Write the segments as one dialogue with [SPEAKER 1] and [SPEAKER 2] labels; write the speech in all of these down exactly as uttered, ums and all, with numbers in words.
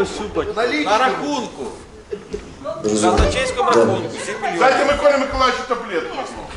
[SPEAKER 1] На рахунку. На казначейському рахунку. сім мільйонів.
[SPEAKER 2] Дайте Миколі Миколаївичу таблетку.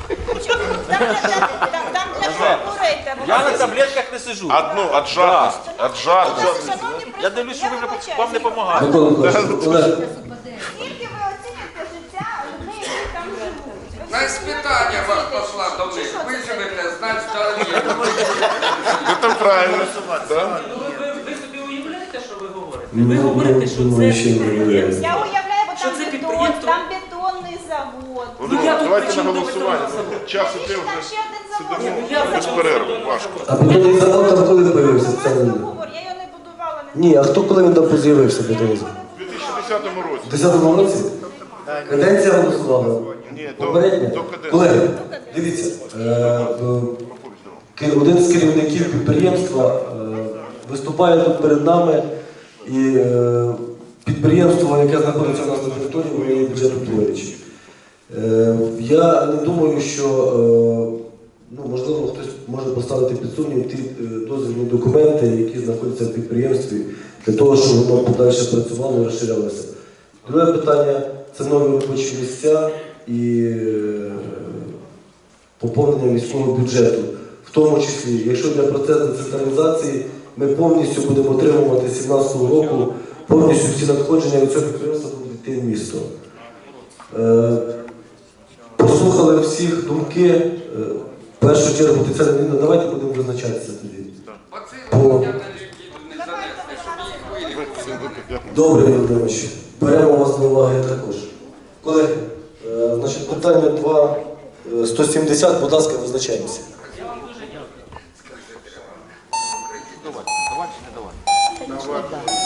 [SPEAKER 3] Там для шкури.
[SPEAKER 1] Я на таблетках не сиджу.
[SPEAKER 2] Одну, от жадності. От жадності.
[SPEAKER 1] Я дивлюсь, що ви вже вам не допомагаєте.
[SPEAKER 4] Микола Миколаївич, Олег,
[SPEAKER 3] Скільки ви оціните життя людей, які там живуть?
[SPEAKER 5] Знаєш, питання вас пошла до них. Ви живете, значить, дорогі.
[SPEAKER 2] Це правильно. Да?
[SPEAKER 6] Ви, ви собі уявляєте, що ви говорите? Ви говорите, що це підприємство.
[SPEAKER 3] Я уявляю, бо
[SPEAKER 6] Що
[SPEAKER 3] там
[SPEAKER 6] це
[SPEAKER 3] бетон,
[SPEAKER 6] підприємство?
[SPEAKER 3] там бетонний завод.
[SPEAKER 6] Ну, я тут
[SPEAKER 2] Давайте
[SPEAKER 6] при
[SPEAKER 2] на
[SPEAKER 6] чому до
[SPEAKER 2] голосування.
[SPEAKER 6] бетонного заводу?
[SPEAKER 2] Час іде
[SPEAKER 3] Там
[SPEAKER 2] вже.
[SPEAKER 3] ще один завод.
[SPEAKER 2] Сидимо
[SPEAKER 6] Я
[SPEAKER 2] без
[SPEAKER 6] при
[SPEAKER 2] перерву.
[SPEAKER 6] чому до
[SPEAKER 2] Важко.
[SPEAKER 4] а бетонний завод там коли появився? Це не-
[SPEAKER 3] Договор, я його не будувала. не
[SPEAKER 4] Ні, а хто коли він там з'явився бетонний завод?
[SPEAKER 2] У дві тисячі десятому році.
[SPEAKER 4] У десятому році? Каденція голосувала?
[SPEAKER 2] Ні, до,
[SPEAKER 4] Попередня?
[SPEAKER 2] до каденції.
[SPEAKER 4] Колеги, дивіться, е, е, ки- один з керівників підприємства е, виступає тут перед нами, і е, підприємство, яке знаходиться у нас на території, воно є бюджетоутворюючим. Е, я не думаю, що е, ну, можливо хтось може поставити під сумнів ті е, дозвільні документи, які знаходяться в підприємстві, для того, щоб воно подальше працювало і розширялося. Друге питання це нові робочі місця і е, поповнення міського бюджету. В тому числі, якщо для процесу децентралізації ми повністю будемо отримувати з сімнадцятого року, повністю всі надходження від цього підприємства будуть йти в місто. Е, Послухали всіх думки. Е, В першу чергу, це давайте будемо визначатися тоді.
[SPEAKER 5] Оце
[SPEAKER 4] По-
[SPEAKER 5] я не занести, щоб їх вилікувати.
[SPEAKER 4] Добре, Ігор Володимирович, беремо вас до уваги також. Колеги, е, значить, питання два, е, сто сімдесят, будь ласка, визначаємося.
[SPEAKER 1] Давай, давай чи не давай?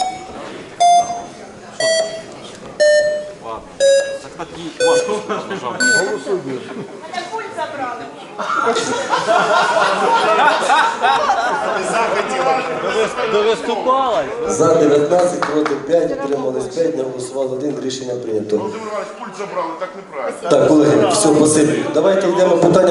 [SPEAKER 1] Ладно. Так такі маску нажав.
[SPEAKER 3] Мене пульт забрали.
[SPEAKER 1] Довиступала.
[SPEAKER 4] За дев'ятнадцять, проти п'ять, утримались п'ять, не голосували один, рішення прийнято.
[SPEAKER 2] Володимир Іванович, пульт забрали, так неправильно.
[SPEAKER 4] Так, колеги, все, спасибі. Давайте йдемо питання.